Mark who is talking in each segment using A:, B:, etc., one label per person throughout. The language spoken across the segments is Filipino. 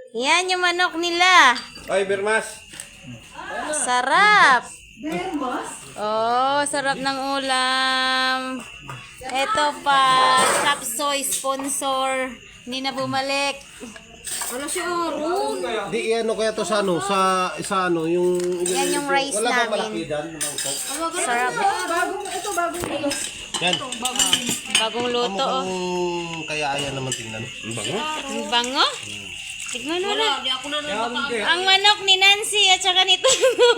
A: Yan yung manok nila.
B: Ay, Bermas.
A: Sarap. Oh, sarap ng ulam. Ito pa, Chop Suey sponsor. Hindi na bumalik.
C: Ano si Aaron?
B: Di ano kaya to sa ano, sa ano, yung...
A: Yan yung rice
B: wala
A: namin.
B: ba malaki dyan? Mangkok?
A: Sarap.
C: Bagong
B: Yan.
A: Bagong luto. Oh.
B: Kaya ayan naman tingnan. Bango?
A: Ang bango. Tignan mo na.
C: Hindi ako na nakaka...
A: Ang manok ni Nancy at saka nito.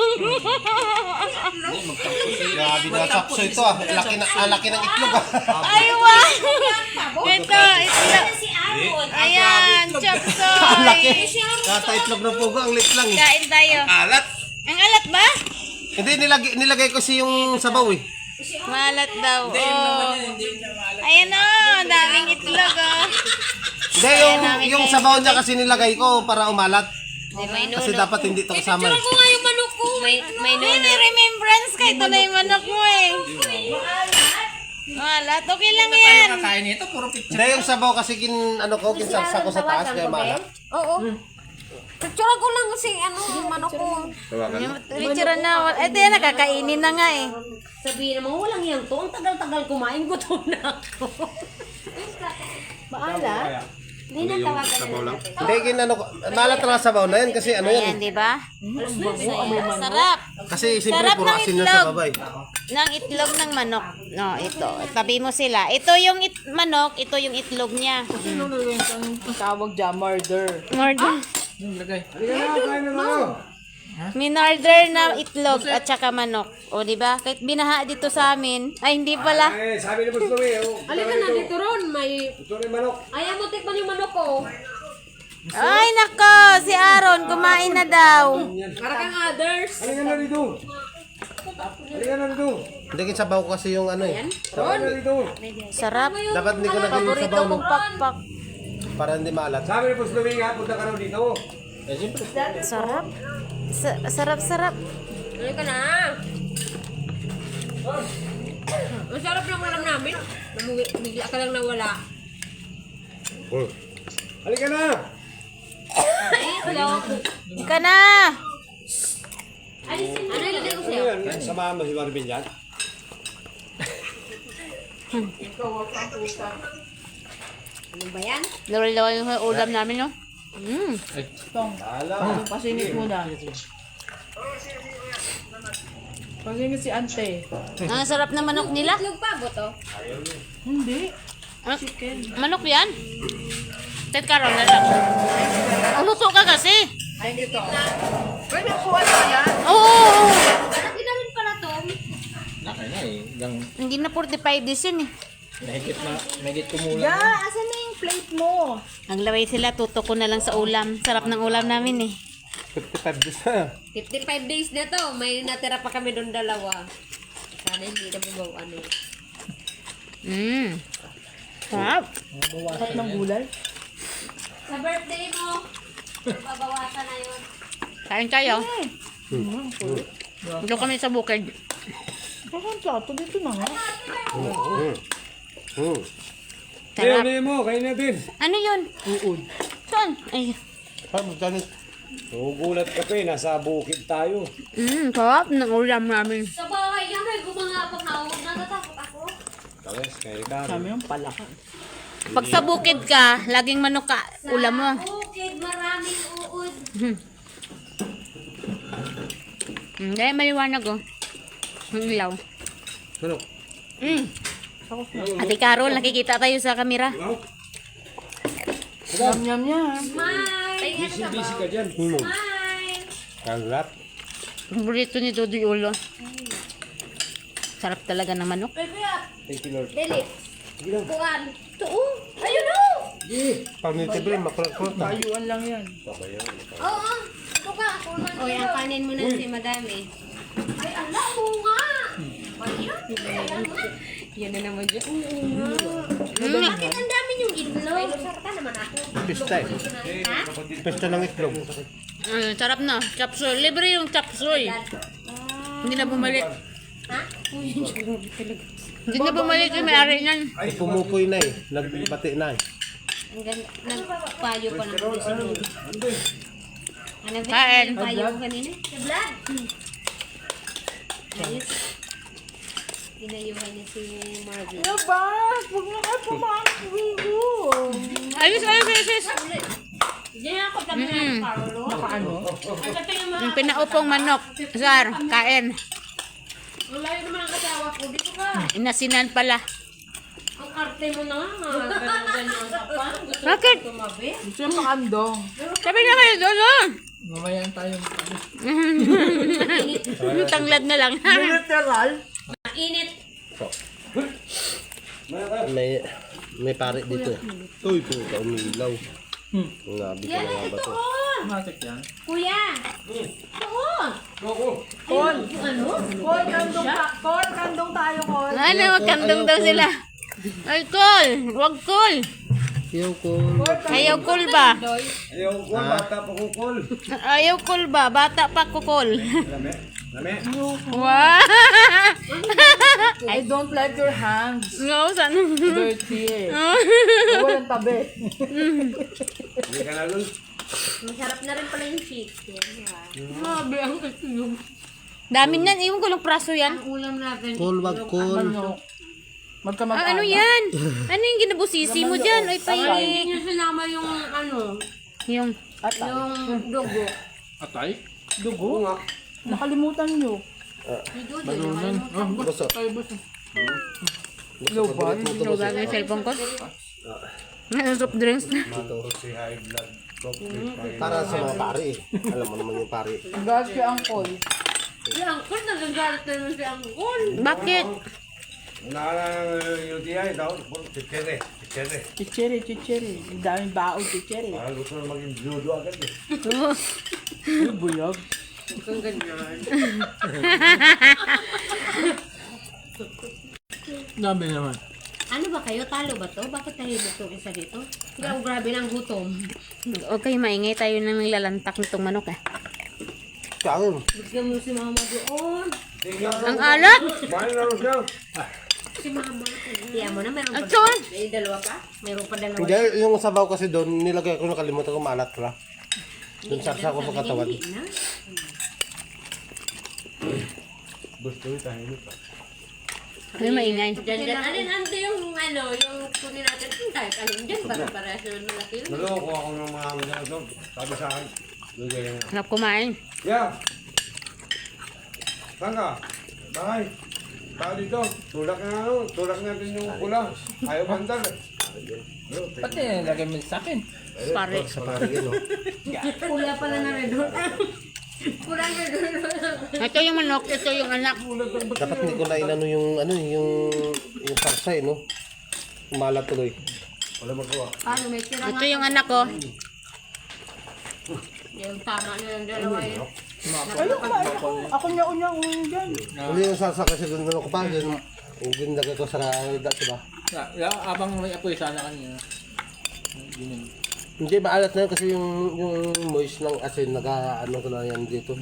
B: Grabe na sakso ito ah. Laki ng itlog ah.
A: Ay, wow. Ito. Ayan, Chop Suey.
B: Kata itlog ng pugo, ang lit lang eh.
A: Kain tayo.
B: Alat?
A: Ang alat ba?
B: Hindi, nilagay ko si yung sabaw eh.
A: Malat daw. Oh. Ayan o, daming itlog oh.
B: Hindi, yung sabaw niya kasi nilagay ko para umalat.
A: May
B: Kasi
A: nuno.
B: dapat hindi ito kasama eh.
C: Ako nga yung manok ko.
A: May remembrance ka. Ito na yung manok mo eh. Malat. Okay lang yan.
B: Hindi, yung sabaw kasi ano ko, kinsaksa ko sa taas kaya malat.
C: Oo. Picture ko lang kasi yung manok ko.
A: Litsura na. Ito yan, nakakainin na nga eh.
C: Sabihin naman, walang yan to. Ang tagal-tagal kumain, gutom na ako. Maala? Hindi na tawagan na.
B: Hindi, ginano ko. Malat na nga sabaw na yan kasi ano yan
A: Ayan, di ba? Sarap.
B: Kasi siyempre
A: Sarap
B: puro
A: ng
B: asin na
A: itlog.
B: sa babay.
A: Ng itlog ng manok. No, ito. Tabi mo sila. Ito yung manok, ito yung itlog niya.
D: Ano yung tawag dyan? Murder.
A: Murder. Minarder na itlog at saka manok. O, di ba? Kahit binaha dito sa amin. Ay, hindi pala.
B: Eh, sabi ni Boss Louie,
C: Alika na dito ron, may...
B: ito na yung manok.
C: Ayaw mo tikman yung manok ko.
A: Ay, nako. Si Aaron, kumain na daw.
C: Para kang others.
B: Halika na dito. Halika na dito. Hindi kin sabaw ko kasi yung ano eh. Halika na dito.
A: Sarap.
B: Dapat hindi ko lagay yung
A: Paborito
B: sabaw no?
A: kong pakpak.
B: Para hindi maalat. Sabi ni Boss Louie nga, punta ka raw dito. Eh, siyempre.
A: Sarap. Sarap.
C: Alika na. Ang sarap ng ulam namin. Bigla ka lang nawala.
B: Halika na.
C: Hello.
A: Ika na.
C: Ano ilagay ko sa'yo?
B: Yan, samahan mo si Marvin yan.
C: Ano ba yan?
A: Lawal-lawal yung ulam namin, no?
D: Tong, pasingit muna. Pasingit si ante.
A: Ang sarap ng manok nila.
C: Itlog pa ba to?
D: Hindi.
A: Ah, manok yan? Ted Carol na lang. Ang luto ka kasi.
D: Pwede kuha na yan.
A: Oo.
C: Ano ginawin pala to?
A: Hindi na 45 days yun eh.
D: Ya, asan na yung plate mo?
A: Naglaway sila, tuto ko na lang sa ulam. Sarap ng ulam namin eh.
B: 55 days na.
C: 55 days na to. May natira pa kami doon dalawa. Sana hindi na bumaw ano.
A: Sarap.
D: Sarap ng gulay.
C: Sa birthday mo, babawasan na yun.
A: Kain kayo. Dito kami sa bukid.
D: Parang plato dito na nga.
A: Sarap.
B: mo, kain natin.
A: Ano yun?
D: Uod.
A: Saan? Ay.
B: Gugulat ka pa eh, nasa bukid tayo.
A: Sarap ng ulam namin.
C: Sa bahay niya, may gumangapang na ako. Natatakot ako.
B: Talas, kain ka.
D: Kami yung palaka.
A: Pag sa bukid ka, laging manok ka, ulam mo.
C: Bukid, maraming uod.
A: Hindi, maliwanag oh. Ang ilaw.
B: Ano?
A: Ate Carol, nakikita tayo sa kamera.
D: Yum, yum, yum.
C: Smile!
B: Busy ka dyan.
C: Smile!
B: Kalat.
A: Paborito ni Dodi Ulo. Sarap talaga ng manok.
B: Thank you, Lord.
C: Dili. Kuan. Tuo. Ayun o!
B: Pag-nitibre, makulat-kulat na.
D: Tayuan lang yan.
C: Oo. Ito ka. Ako man. O, yan kanin mo na si madami. Ay, ala mo nga. Ayan. Yan na naman dyan. Bakit ang dami yung itlog? Ay, lusarta naman ako.
B: Pista eh.
C: Ha?
B: Pista ng itlog.
A: Sarap na. Chop suey. Libre yung chop suey. Hindi na bumalik.
C: Ha?
A: Hindi na bumalik yung may-ari niyan.
B: Ay, pumupoy na eh. Nagbati na eh.
C: Ang ganda. Nagpayo pa ng sinunod. Ano ba?
A: Kain.
C: Yung payo ko kanina? Vlad! Ayos. Pinayuhan niya si Marvin.
D: Ano ba? Huwag na kayo pumakbo.
A: Ayos.
C: Diyan ako kami ng Carlo.
D: Ano?
A: Yung pinaupong manok. Sar, kain.
C: Ang layo naman ang kasawa ko. Dito ka.
A: Inasinan pala.
C: Ang arte mo na nga. Ganyan ka pa. Gusto
A: Bakit?
C: ko tumabi.
D: Gusto yung makandong.
A: Sabi na kayo doon.
D: Mamaya tayo.
A: Tanglad na lang.
D: Literal?
C: Mainit.
B: May pare dito eh. Uy, puta, umilaw. Nabi ko na nga ba to?
D: Matik yan.
C: Kuya. Oo.
D: Kon!
C: Ano?
D: Kon, kandong tayo, Kon.
A: Ano, magkandong daw sila. Ay, cool. Wag cool.
B: Ayaw ko.
A: Ayaw cool ba?
E: Ayaw ko, bata pa ko call.
A: Ayaw cool ba? Bata pa ko cool.
E: Lame? Lame?
A: Wow!
D: I don't like your hands.
A: No, sana.
D: Dirty eh. Walang tabi.
E: Hindi ka na dun.
C: Masarap na rin pala yung chicken.
A: Grabe, ang kasiyong. Dami nan, iwan ko lang praso yan.
C: Ang ulam natin.
B: Cool, wag cool.
D: Ano? Magkamag-anak.
A: Ano yan? Ano yung ginabusisi mo dyan? Ay,
C: Hindi
A: pahingi.
C: niya sinama yung ano,
A: Yung,
D: Atay.
C: yung dugo.
D: Atay? Dugo? Nakalimutan nyo.
C: Yung dugo.
B: Gusto.
D: Low bar?
A: so bagay yung cellphone ko. Ano, soft drinks na.
E: Si high blood.
B: Para sa mga pare eh. Alam mo naman yung pare.
D: Gas kay Angkol.
C: Si Angkol, nagagalit na naman si Angkol.
A: Bakit?
E: Naalang UTI daw. Chichire. Chichire.
D: Chichiri. Ang daming baon, chichiri.
E: Parang gusto na maging judo agad eh.
D: Uy, buyog.
C: Kung ganyan.
D: Dami naman.
C: Ano ba kayo? Talo ba to? Bakit tahimik itong isa dito? Kaya grabe ng gutom.
A: Huwag kayo maingay, tayo nang nilalantak nitong manok eh.
B: Kaon.
C: Bigyan mo si mama doon.
A: Ang alat!
E: Mahal na rin siya.
C: Si mama. Tiyan mo na, meron pa.
A: Actual!
C: May dalawa pa? Meron pa dalawa.
B: Hindi, yung sabaw kasi doon, nilagay ko, nakalimutan ko maalat pala. Doon sarsa ko sa katawan.
C: Hindi na.
E: Gusto rin tahimik pa.
A: Ano maingay?
C: Diyan. Ano yung ano, yung kunin natin. Kahit alin dyan, para naman malaki yun.
E: Naloko ako ng mga mga doon. Sabi sa akin. Lugay na.
A: Hanap kumain.
E: Yeah. Saan ka? Bakay. Baka dito. Tulak na ano. Tulak natin yung pula. Ayaw bandal eh.
D: Pati lagay mo sa akin.
A: Pare.
B: Sa pare yun, no?
C: Pula pala na red hot. Pula na red hot.
A: Ito yung manok, ito yung anak.
B: Dapat hindi ko na inano yung sarsa eh, no? Umalat tuloy.
E: Wala magawa.
C: Ano, may tira
A: Ito yung anak ko.
C: Yung tama na ng dalawa yun.
D: Ayun, kumain ako. Ako niya dyan.
B: Hindi yung sarsa kasi doon ko pa, yung ginagay ko sa diba?
D: Abang may apoy sana kanina.
B: Hindi, maalat na yun kasi yung moist ng asin, nag-ano ko na yan dito.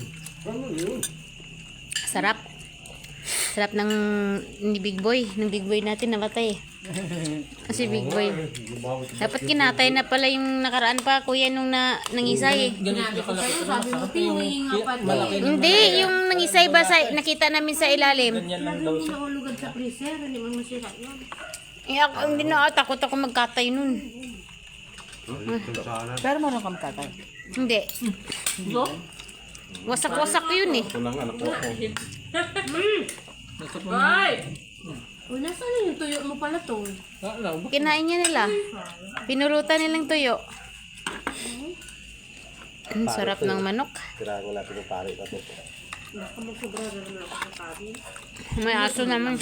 A: Sarap. Sarap ng ni Big Boy. Ng Big Boy natin namatay. Kasi Big Boy. Dapat kinatay na pala yung nakaraan pa, kuya, nung nangisay eh.
C: Sinabi ko sa'yo, sabi mo, pinuwi nga pati.
A: Hindi, yung nangisay ba nakita namin sa ilalim.
D: Ganyan lang daw
C: Hindi
D: siya.
C: nahulugad sa freezer, hindi mo masira yun.
A: Eh, hindi na, takot ako magkatay nun.
D: Pero meron kang tatay.
A: Hindi. Wasak-wasak yun eh.
C: O, nasaan yung tuyo mo pala to?
A: Kinain niya nila. Pinulutan nilang tuyo. Ang sarap ng manok.
B: Tirahan natin yung pare na ito.
C: Baka magsobra na naman ako sa kabi.
A: May aso naman.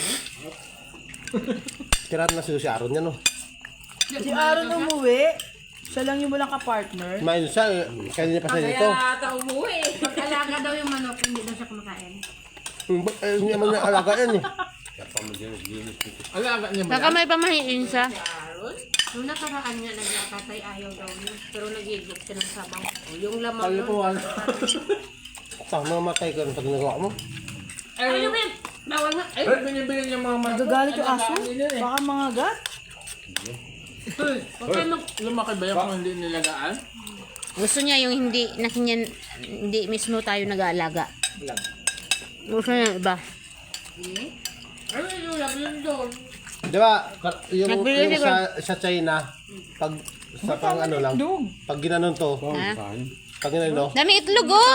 B: Tirahan na si Aaron yan, no?
D: Si Aaron umuwi. Siya lang yung walang ka-partner.
B: Kumain siya, kanina pa siya dito.
C: Kaya ata umuwi. Pag-alaga daw yung manok, hindi daw siya kumakain.
B: Hindi naman niya alaga yan eh.
D: Alaga niya
A: Baka may pamahiin siya.
C: Nung nakaraan niya, nagkakatay ayaw daw niya. Pero nag-iiglok siya ng sabaw. O, yung lamang
D: Kalipuan.
B: Saan mamatay ka pag nagawa mo?
C: Ay, Lumen! Bawal nga. Ay,
D: Binibili niya mga manok.
C: Ano
D: Nagagalit yung aso. Baka mga gat. Lumaki ba yan kung hindi nilagaan?
A: Gusto niya yung hindi mismo tayo nag-aalaga. Gusto niya yung iba.
C: Ano yung lagi yun doon?
B: Di ba, yung
A: Nagbili
B: sa China, pag sa pang ano lang, pag ginanon to,
A: Ha?
B: pag ginanon,
A: Dami itlog oh!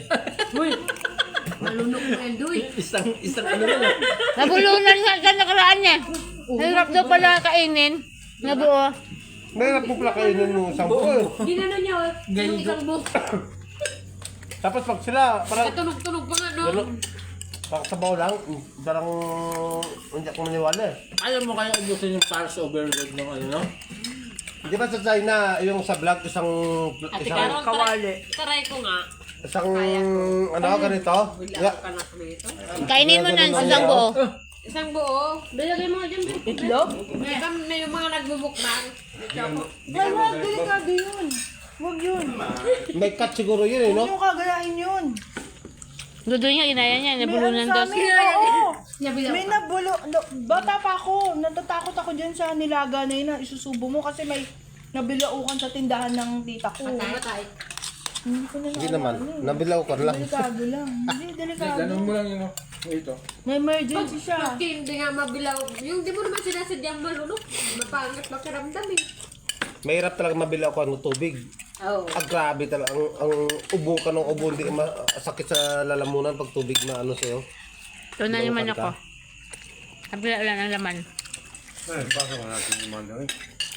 C: Malunok mo yan, Duy.
D: Isang ano na lang.
A: Nabulunan nga sa nakaraan niya. Hirap daw pala kainin. Nabuo.
B: mahirap po pala kainin yung isang buo.
C: Ginano niya, yung isang buhok.
B: Tapos pag sila, parang,
C: Tunog-tunog pa nga, no?
B: parang sabaw lang, parang hindi ako maniwala eh.
D: Alam mo kaya ubusin yung para sa overload ng ano, no?
B: Di ba sa China, yung sa vlog, isang
D: Kawali.
C: Taray ko nga.
B: ano, ganito? Yeah.
C: Ka na kami ito.
A: Kainin mo na isang buo.
C: Isang buo. Bilagay mo nga dyan.
D: Itlog?
C: May yung mga nagbubukbang.
D: Wag, delikado yun. Wag yun.
B: May cut siguro yun eh,
D: Huwag
B: no?
D: yung kagayain yun.
A: Dodo niya, inaya niya. Nabulunan
D: May
A: daw.
D: ano sa amin, oo.
C: Nabilaw
D: May nabulo. Bata pa ako. Natatakot ako dyan sa nilaga na yun na isusubo mo kasi may nabilaukan sa tindahan ng tita ko.
C: Matay.
D: Hindi ko na
B: Hindi naman, nabilaw ko lang.
D: Delikado lang. Hindi, delikado.
E: Ganun mo lang yun, oh. Ito.
D: May emergency siya.
C: Pag hindi nga mabilaw. Yung di mo naman sinasadyang malunok. Mapangit makiramdam eh.
B: Mahirap talaga mabilaw ko ng tubig.
C: Oo.
B: Ah, grabe talaga. Ang ubo ka ng ubo, hindi sakit sa lalamunan pag tubig na ano sa'yo.
A: Ito na naman ako. Kabila lang ang laman.
E: Ay, baka mo natin yung mga dami.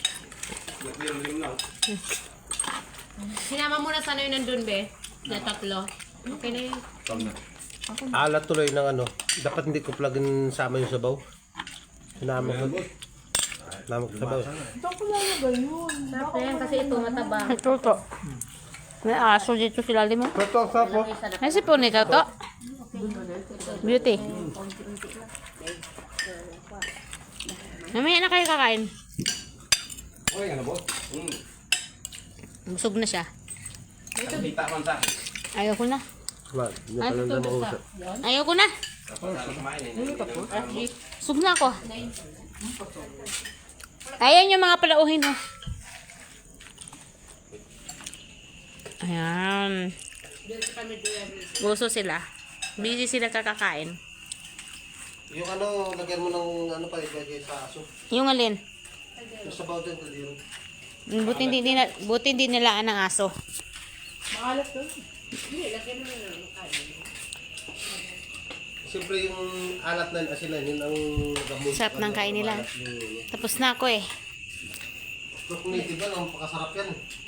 C: Sinama mo na sana yun nandun, be. Na tatlo. Okay na yun.
B: Alat tuloy ng ano. Dapat hindi ko plugin sama yung sabaw. Sinama ko. Sinama ko sabaw.
D: Ito ko lalagay yun.
C: Ayan, kasi ito mataba.
A: Ito to. May aso dito sila mo.
B: Ito, sapo.
A: Ay, si po nito to. Beauty. Mamaya na kayo kakain.
E: Okay, ano, boss?
A: Busog na siya.
E: Kita man sa akin.
A: Ayoko na.
B: Wala, hindi pa lang na mausap.
A: Ayoko na. Busog na ako. Ayan yung mga palauhin mo. Ayan. Gusto sila. Busy sila kakakain.
B: Yung ano, lagyan mo ng ano pa ibigay sa aso.
A: Yung alin?
B: Yung sabaw din, kadiro.
A: Buti hindi nilaan ng aso.
D: Makalat to.
B: Siyempre yung alat na asin na yun ang gamot.
A: Sarap ng kain nila. Tapos na ako eh.
B: Kung native ba, ang pakasarap yan.